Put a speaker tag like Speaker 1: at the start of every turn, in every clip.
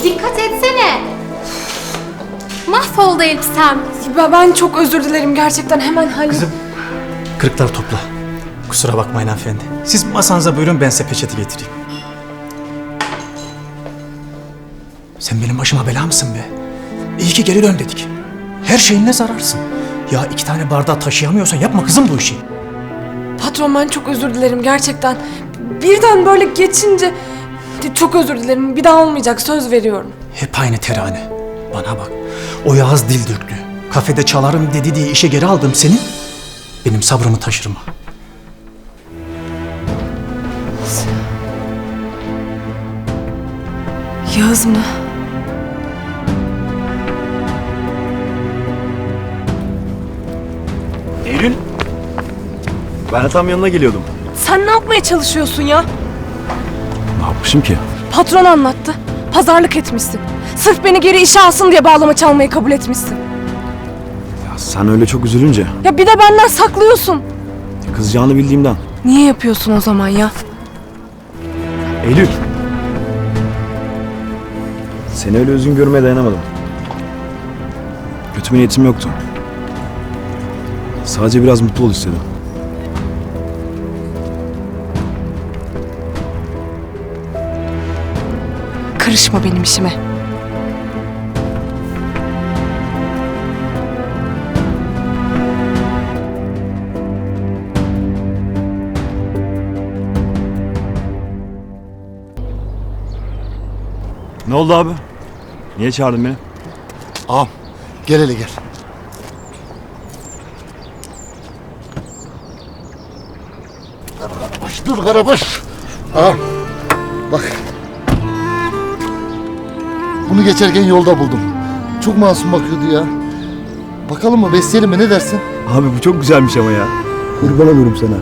Speaker 1: Dikkat etsene. Mahvoldu elbisem.
Speaker 2: Ben çok özür dilerim gerçekten, hemen hallet.
Speaker 3: Kızım, kırıkları topla. Kusura bakmayın hanımefendi. Siz masanıza buyurun, ben size peçeti getireyim. Sen benim başıma bela mısın be? İyi ki geri dön dedik. Her şeyinle zararsın. Ya 2 tane bardağı taşıyamıyorsan yapma kızım bu işi.
Speaker 2: Patron, ben çok özür dilerim gerçekten. Birden böyle geçince çok özür dilerim. Bir daha olmayacak, söz veriyorum.
Speaker 3: Hep aynı terane. Bana bak. O Yağız dil döktü. Kafede çalarım dedi diye işe geri aldım seni. Benim sabrımı taşırma.
Speaker 2: Yağız mı?
Speaker 4: Eylül. Ben de tam yanına geliyordum.
Speaker 2: Sen ne yapmaya çalışıyorsun ya?
Speaker 4: Ne yapmışım ki?
Speaker 2: Patron anlattı. Pazarlık etmişsin. Sırf beni geri işe alsın diye bağlama çalmayı kabul etmişsin.
Speaker 4: Ya sen öyle çok üzülünce.
Speaker 2: Ya bir de benden saklıyorsun.
Speaker 4: Kızacağını bildiğimden.
Speaker 2: Niye yapıyorsun o zaman ya?
Speaker 4: Eylül. Seni öyle üzgün görmeye dayanamadım. Kötü bir niyetim yoktu. Sadece biraz mutlu ol istedim.
Speaker 2: Karışma benim işime.
Speaker 4: Ne oldu abi? Niye çağırdın beni?
Speaker 5: Ağam gel hele gel. Karabaş dur Karabaş. Ağam bak. Bunu geçerken yolda buldum. Çok masum bakıyordu ya. Bakalım mı, besleyelim mi, ne dersin?
Speaker 4: Abi bu çok güzelmiş ama ya. Kurban olurum sana.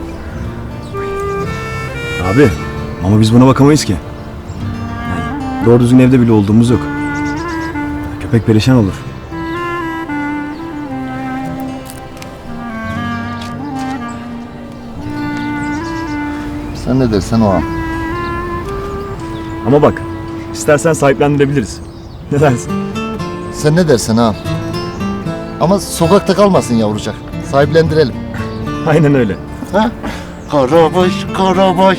Speaker 4: Abi ama biz buna bakamayız ki. Yani doğru düzgün evde bile olduğumuz yok. Köpek perişan olur.
Speaker 5: Sen ne dersen o ağam.
Speaker 4: Ama bak istersen sahiplendirebiliriz. Ne dersin?
Speaker 5: Sen ne dersen ağam. Ama sokakta kalmasın yavrucak. Sahiplendirelim.
Speaker 4: Aynen öyle.
Speaker 5: Ha? Karabaş, Karabaş.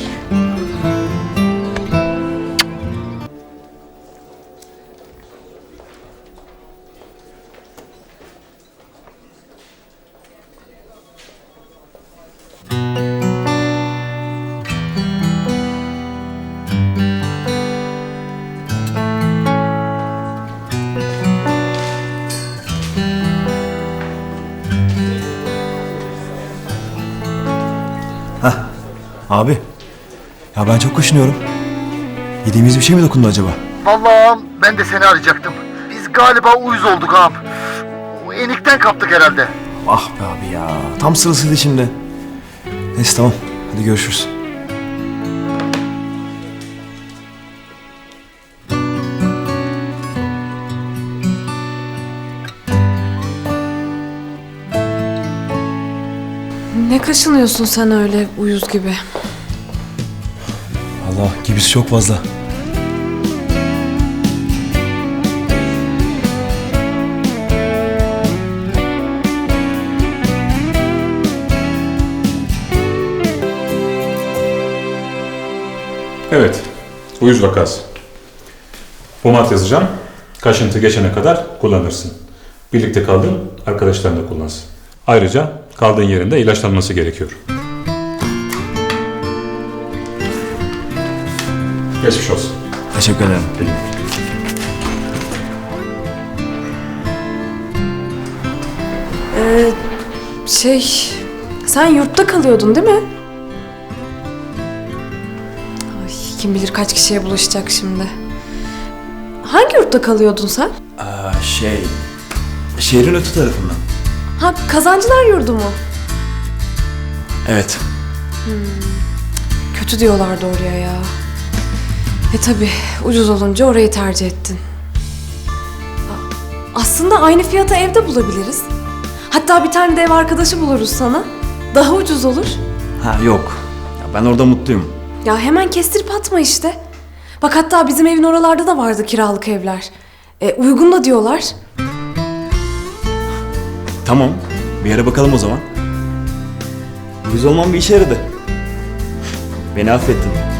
Speaker 4: Abi ya ben çok kaşınıyorum. Yediğimiz bir şey mi dokundu acaba?
Speaker 5: Vallahi ağam, ben de seni arayacaktım. Biz galiba uyuz olduk ağam. O enikten kaptık herhalde.
Speaker 4: Ah be abi ya. Tam sırasıydı şimdi. Neyse tamam. Hadi görüşürüz.
Speaker 2: Ne kaşınıyorsun sen öyle uyuz gibi?
Speaker 4: Allah gibisi çok fazla.
Speaker 6: Evet, uyuz vakası. Pomat yazacağım. Kaşıntı geçene kadar kullanırsın. Birlikte kaldığın arkadaşların da kullansın. Ayrıca kaldığın yerinde ilaçlanması gerekiyor. Geçmiş olsun.
Speaker 4: Teşekkür ederim.
Speaker 2: Sen yurtta kalıyordun değil mi? Ay, kim bilir kaç kişiye bulaşacak şimdi. Hangi yurtta kalıyordun sen?
Speaker 4: Şehrin öte tarafından.
Speaker 2: Ha, Kazancılar Yurdu mu?
Speaker 4: Evet.
Speaker 2: Kötü diyorlardı oraya ya. Tabii ucuz olunca orayı tercih ettin. Aslında aynı fiyata evde bulabiliriz. Hatta bir tane de ev arkadaşı buluruz sana. Daha ucuz olur.
Speaker 4: Ha yok. Ya ben orada mutluyum.
Speaker 2: Ya hemen kestirip atma işte. Bak Bak hatta bizim evin oralarda da vardı kiralık evler. Uygun da diyorlar.
Speaker 4: Tamam. Bir yere bakalım o zaman. Uyuz olmam bir işe yaradı. Beni affettin.